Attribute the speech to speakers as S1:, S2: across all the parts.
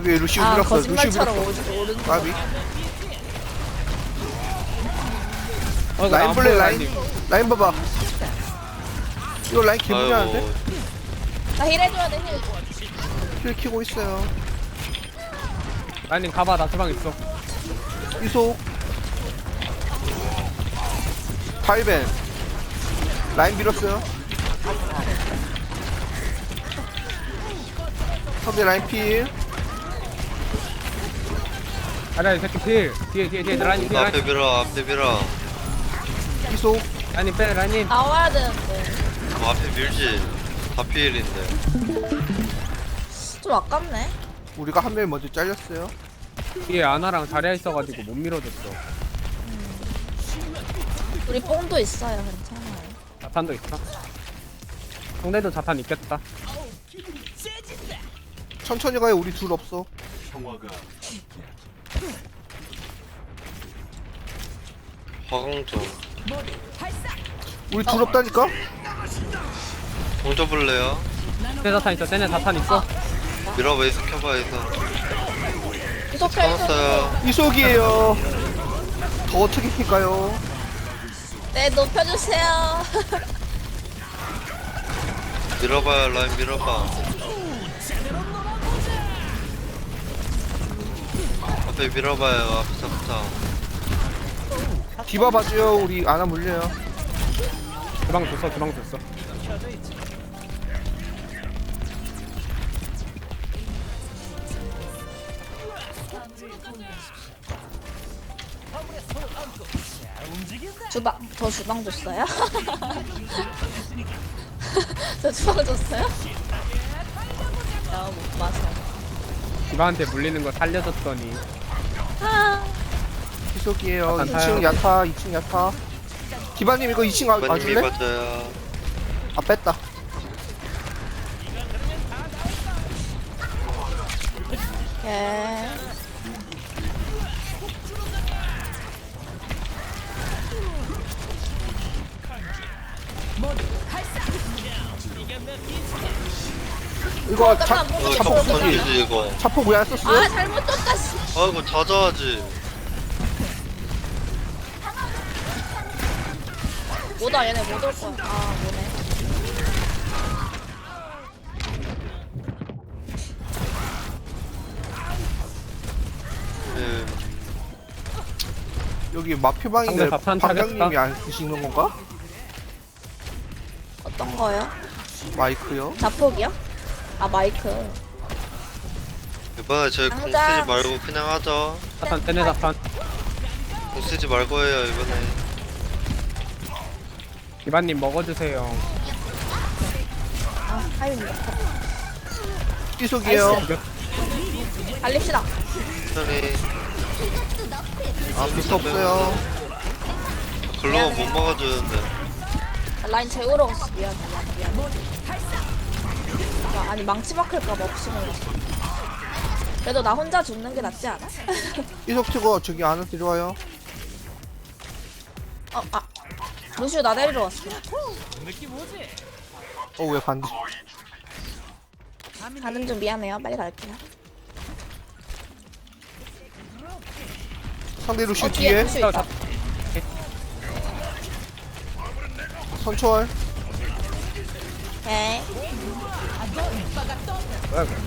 S1: 여기 루시우
S2: 아
S1: 밀었어. 루시우
S2: 거짓말처럼
S1: 밀었어.
S2: 오른쪽
S1: 까비.
S3: 나
S1: 라인 볼래 라인. 라인 봐봐. 이거 라인 개무리하는데?
S4: 아이고
S2: 나 힐 해줘야 돼 힐.
S1: 힐 키고 있어요.
S3: 라인님 가봐 나 주방 있어.
S1: 이속. 파이벤. 라인 밀었어요. 상대 라인 필.
S3: 아니야 이 새끼 필. 뒤에 라인님 뒤에
S4: 앞에 밀어 앞에 밀어
S1: 이속.
S3: 라인님 빼 라인님.
S2: 나와야 되는데
S4: 앞에 밀지 다 피일인데
S2: 좀 아깝네.
S1: 우리가 한 명 먼저 잘렸어요.
S3: 뒤에 아나랑 자리야 있어가지고 못 밀어줬어.
S2: 우리 뽕도 있어요 괜찮아요.
S3: 자탄도 있어. 상대도 자탄 있겠다.
S1: 천천히 가요. 우리 둘 없어.
S4: 화강점
S1: 우리 둘 없다니까?
S4: 공져볼래요?
S3: 쟤 자탄 있어. 쟤네 자탄 있어.
S4: 밀어봐 이속 켜봐 이속
S2: 계속 펴줘.
S4: 끊었어요
S1: 이속이에요. 더 어떻게 할까요?
S2: 네 높여주세요.
S4: 밀어봐요 라인 밀어봐 앞에 밀어봐요 앞서부터
S1: 디바 봐줘요. 우리 아나 물려요.
S3: 주방 줬어.
S2: 저 주방 줬어요? 저 주방 줬어요? 나못 봐서.
S3: 디바한테 물리는 거 살려줬더니
S2: 아,
S1: 이속이에요.
S3: 약간
S1: 2층
S3: 타요.
S1: 야타. 2층 야타. 디바님 이거 2층
S4: 많이
S1: 와줄래?
S4: 맞아요
S1: 아 뺐다.
S2: 예.
S1: 이거
S2: 잠깐만, 뭐
S1: 자폭
S2: 좀
S1: 쓰기.
S4: 던지지 이거
S1: 자폭 왜 안 썼어요?
S2: 아 잘못 줬다 씨.
S4: 아이고 자자하지
S2: 뭐다 얘네 못 올 거야. 아 뭐네.
S4: 예.
S1: 여기 마표방인데
S3: 상대 자탄
S1: 방장님이
S3: 타겠다.
S1: 안 쓰시는 건가?
S2: 어떤 거요?
S1: 마이크요?
S2: 자폭이요? 아 마이크.
S4: 이번에 저희 공 쓰지
S2: 당장.
S4: 말고 그냥 하죠
S3: 자탄 쟤네 자탄.
S4: 공 쓰지 말고 해요 이번에
S3: 디바님 먹어주세요.
S2: 아 하입니다.
S1: 이속이에요.
S2: 나이스. 달립시다.
S4: 천천히
S1: 아 비스 없어요.
S4: 글로가 못 막아주는데
S2: 라인 재우러 갔어. 미안. 아, 아니 망치 박힐까봐 없으면. 그래도 나 혼자 죽는 게 낫지 않아?
S1: 이속 치고 저기 안에 들어와요.
S2: 아 루시오 나 데리러 왔어.
S1: 왜 반대?
S2: 가는 좀 미안해요. 빨리 갈게요.
S1: 상대 루시
S2: 어 뒤에
S1: 뒤에
S2: 루시오 있다.
S1: 선초월.
S2: 오케이.
S3: 뭐야 이거.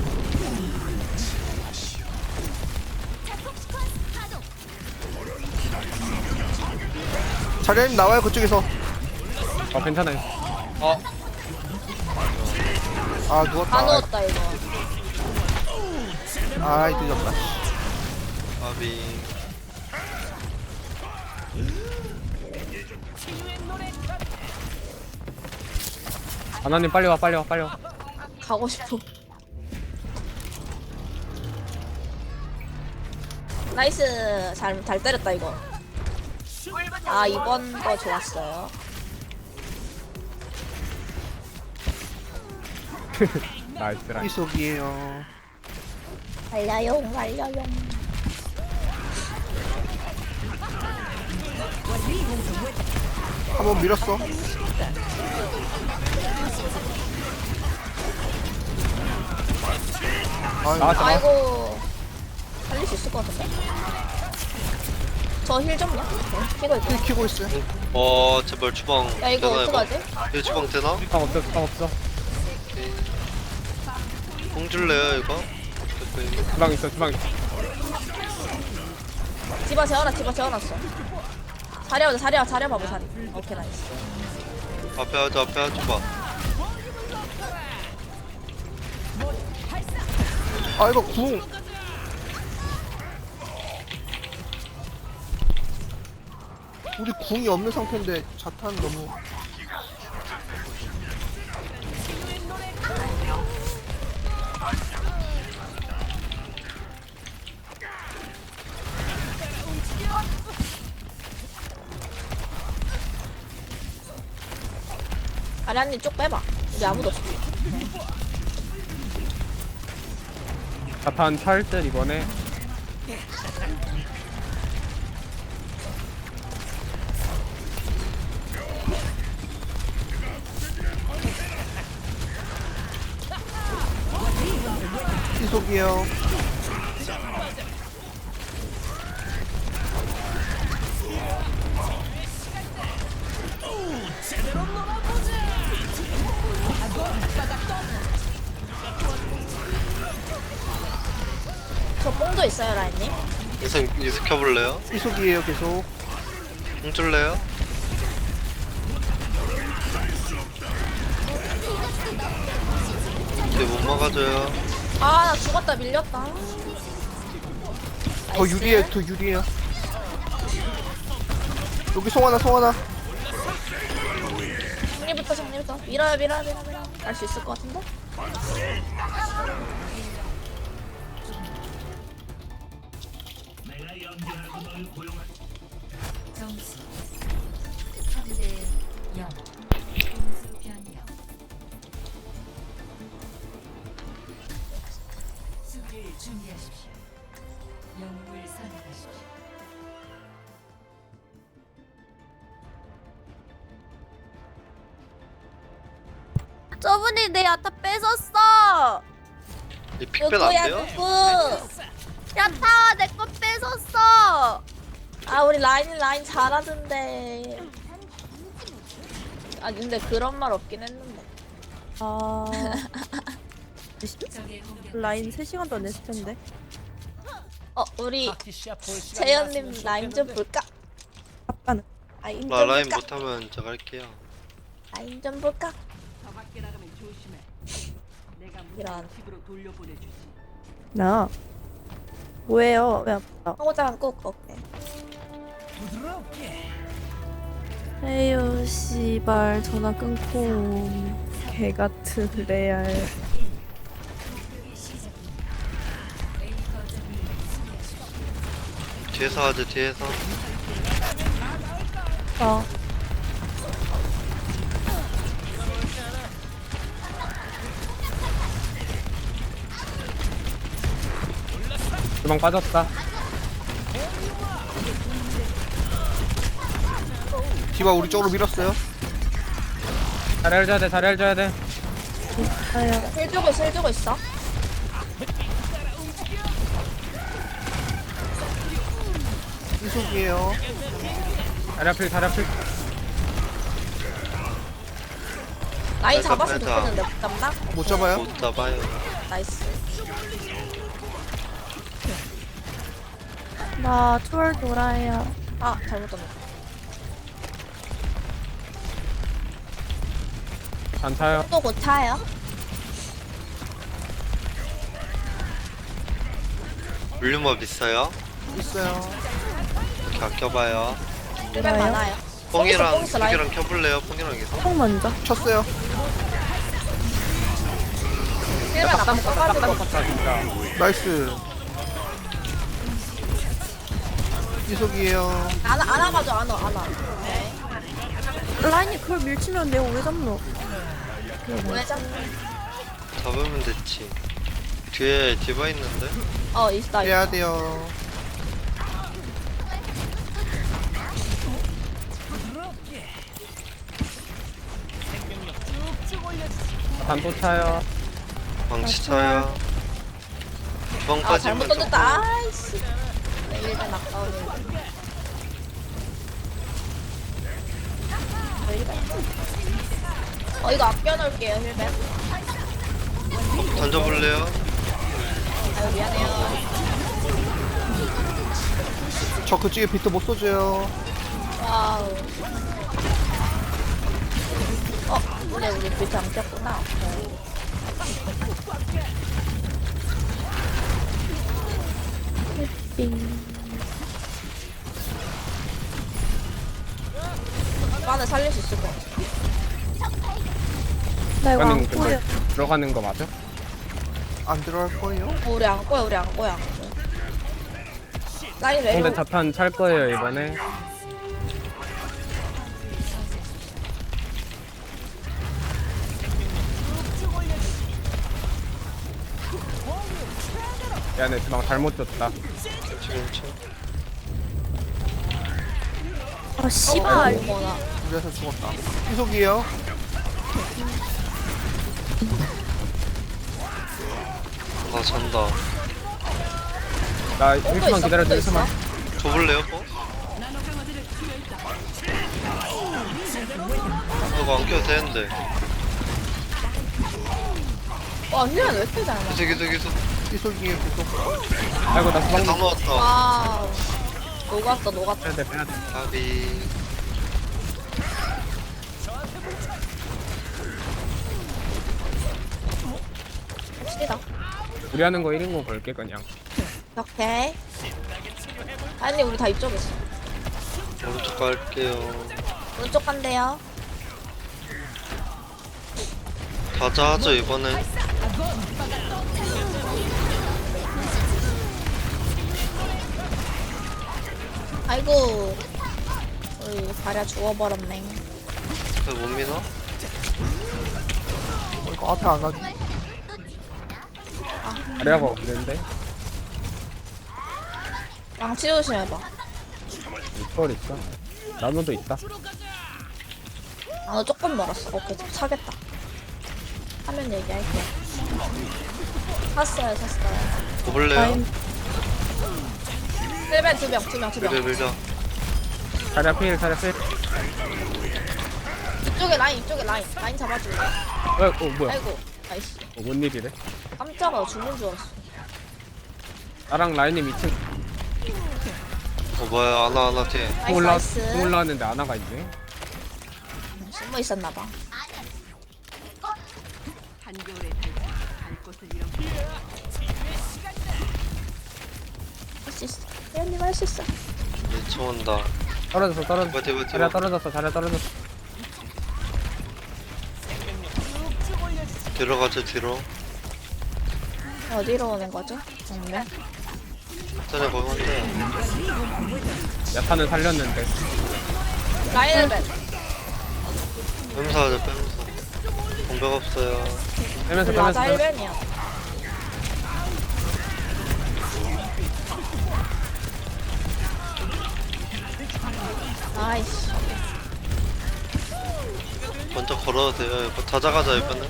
S1: 자리님 나와요 그쪽에서.
S3: 괜찮아요.
S1: 아
S2: 다
S1: 누웠다.
S2: 넣었다 이거.
S1: 아이 늦었다.
S4: 아비
S3: 아나님 빨리 와.
S2: 가고 싶어. 나이스. 잘 때렸다 이거. 아 이번 거 좋았어요.
S3: 나이스 라인.
S1: 이속이에요.
S2: 달려용.
S1: 한번 밀었어. 아이고.
S3: 나왔어.
S2: 아이고 살릴 수 있을 것 같은데. 저 힐 좀요. 키고 있고.
S1: 힐 키고 있어요.
S4: 제발 주방
S2: 야 이거
S4: 되나 이거?
S2: 어떡하지?
S4: 얘 주방 되나?
S3: 주방 없어, 주방 없어.
S4: 오케이. 공 줄래요 이거? 오케이.
S3: 주방 있어, 주방 있어.
S2: 디바 재워놨어. 자리야 봐봐 자리. 오케이 나이스.
S4: 앞에 하자 봐.
S1: 아 이거 궁. 우리 궁이 없는 상태인데 자탄 너무.
S2: 아리안님 쪽 빼봐. 우리 아무도 없어.
S3: 자탄 찰듯 이번에.
S1: 희속이요.
S2: 저 뽕도 있어요 라인님.
S4: 이승 켜볼래요?
S1: 희속이에요 계속.
S4: 공 줄래요? 이제 못 막아줘요.
S2: 아 나 죽었다 밀렸다.
S1: 더 유리해 더 유리해요. 여기 송하나.
S2: 정리부터 밀어요. 할 수 있을 것 같은데?
S5: 점수 3대 0. 공수 변경. 수비를 준비하십시오. 영웅을 선택하십시오.
S2: 저분이 내 야타 뺏었어.
S4: 이 픽bet 안 돼요?
S2: 누구? 야타 내 거 뺏었어. 아 우리 라인 잘하던데. 아 근데 그런 말 없긴 했는데.
S6: 아
S5: 적의 공격
S6: 라인 3시간 더 냈을 텐데.
S2: 우리 재현님 라인 좀 볼까?
S6: 아빠는
S2: 라인 좀
S4: 나 라인
S2: 볼까?
S4: 못하면 제가 할게요.
S2: 라인 좀 볼까? 이런
S6: 나 뭐예요? 왜 아빠?
S2: 청고장 꼭 먹게.
S6: 에휴 씨발 전화 끊고 개 같은 레알.
S4: 뒤에서 하자 뒤에서.
S6: 어
S3: 주방 빠졌다.
S1: 디바 우리 쪽으로 밀었어요.
S3: 자리 해줘야 돼, 자리 해줘야 돼.
S6: 아야
S2: 힐 주고 있어.
S1: 희속이에요.
S3: 자리 앞필, 자리 앞필.
S2: 라인
S4: 뺐다,
S2: 잡았으면
S4: 뺐다.
S2: 좋겠는데 못 잡나?
S1: 못 잡아요?
S4: 못 잡아요.
S2: 나이스.
S6: 나 투월 돌아요.
S2: 아 잘못 잡았다.
S3: 안 차요.
S2: 또 고차요?
S4: 물류법 있어요?
S1: 있어요.
S4: 이렇게 아껴봐요.
S2: 힐
S6: 뭐라요?
S2: 많아요.
S4: 뽕이랑
S2: 뽕 있어, 라인.
S4: 수기랑 켜볼래요? 뽕이랑 해서.
S6: 형 먼저.
S1: 쳤어요.
S2: 힐을 나가 써가지고
S3: 깜빡 진짜.
S1: 나이스. 희속이에요.
S2: 안아가지고 안아. 네.
S6: 라인이 그걸 밀치면 내가 왜 잡노?
S2: 왜 잡?
S4: 잡으면 됐지. 뒤에 디바 있는데?
S2: 있다.
S1: 해야 돼요.
S3: 자탄 또 차요.
S4: 망치 차야. 주방
S2: 아
S4: 빠지면
S2: 잘못 던졌다. 아이씨. 네, 일단 아까운 이거 아껴놓을게요 힐벤.
S4: 던져볼래요?
S2: 아유 미안해요.
S1: 저 그쪽에 비트 못 쏘줘요.
S2: 와우. 근데 우리 비트 안 꼈구나.
S6: 빙.
S2: 오빠는 살릴 수 있을 것 같아.
S6: 나 이거 안
S3: 들어가는
S6: 보여.
S3: 들어가는 거 맞아?
S1: 안 들어갈 거예요?
S2: 우리 안 꼬여, 우리 안 꼬여. 라인
S3: 근데
S2: 내려.
S3: 자탄 찰 거예요 이번에. 야, 내 주방 잘못 줬다.
S4: 지금 쳐.
S6: 아 씨발.
S2: 어머나.
S1: 그래서 죽었다. 희속이에요.
S4: 아 잔다.
S3: 나 1초만 기다려줘, 1초만.
S4: 줘볼래요, 뭐? 이거 안 껴도 되는데.
S2: 와, 힐은 왜 이렇게 잘 맞아?
S4: 계속.
S1: 희속이에요, 희속.
S3: 아이고, 나 주방
S4: 다 넣었다.
S2: 와우. 녹았어, 녹았어.
S3: 빼야 돼, 빼야 돼.
S4: 가비.
S2: 시다.
S3: 우리 하는 거 1인공 걸게, 그냥.
S2: 오케이. 아니, 우리 다 이쪽에 있어.
S4: 오른쪽 갈게요.
S2: 오른쪽 간대요.
S4: 가자 하죠, 이번에.
S2: 아이고. 우리 발야 죽어버렸네.
S4: 그못 미나?
S1: 이거 앞에 안 가지.
S3: 아래가 없는데?
S2: 양치 조심해봐.
S3: 초월 있어. 나노도 있다.
S2: 아, 너 조금 멀었어. 오케이, 차겠다. 하면 얘기할게. 샀어요.
S4: 줘볼래요?
S2: 힐벤 두 명.
S4: 밀자.
S3: 자리야 필, 자리야 필.
S2: 이쪽에 라인 잡아줄래?
S3: 뭐야?
S2: 아이고, 나이스.
S3: 뭔 일이래?
S2: 깜짝아, 죽는 줄 알았어.
S3: 나랑 라인님 2층
S4: 뭐야, 아나 뒤에.
S2: 나이스.
S3: 올라왔는데 아나가 있네.
S2: 숨어 있었나봐. 할 수 있어. 혜연님 할 수 있어.
S4: 미쳐 온다.
S3: 떨어졌어.
S4: 버텨.
S3: 자리야 떨어졌어.
S4: 들어가죠, 뒤로.
S2: 어디로 오는 거죠? 정면?
S4: 전에 거기 혼자야.
S3: 야타는 살렸는데.
S2: 라인 힐벤.
S4: 뺨사 하자, 뺨사. 공백 없어요.
S3: 빼면서
S2: 맞아 힐벤이야. 나이스.
S4: 먼저 걸어도 돼요. 이거 찾아가자, 이번엔.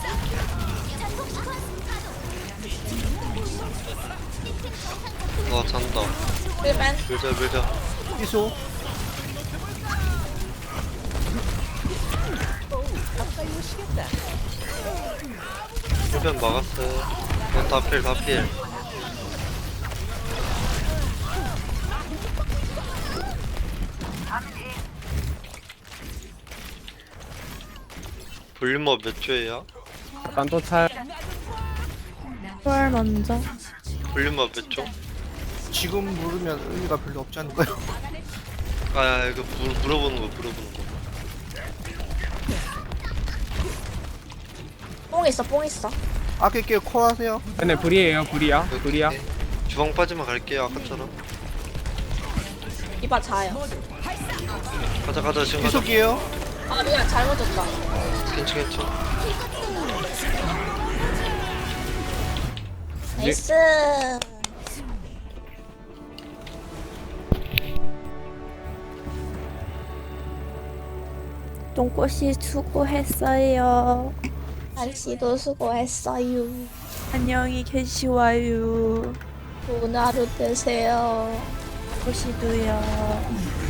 S4: 나 잔다.
S2: 힐벤.
S4: 밀자.
S1: 희속.
S4: 힐변 막았어요. 이건 다 필. 볼륨업 몇 조예요?
S3: 약간 또 찰.
S6: 초월 먼저.
S4: 볼륨업 몇 조?
S1: 지금 물으면 의미가 별로 없지 않을까요?
S4: 아, 이거 물어보는 거.
S2: 뽕 있어.
S1: 아낄게요, 콜 하세요.
S3: 얘네 불이야. 불이야.
S4: 오케이. 주방 빠지면 갈게요, 아까처럼.
S2: 이봐 자요.
S4: 가자, 지금 가자.
S1: 희속이에요.
S2: 아 미안 잘못 줬다.
S4: 괜찮.
S2: 나이스.
S6: 똥꼬씨 수고했어요.
S2: 날씨도 수고했어요.
S6: 안녕히 계시와요.
S2: 좋은 하루 되세요.
S6: 보시도요.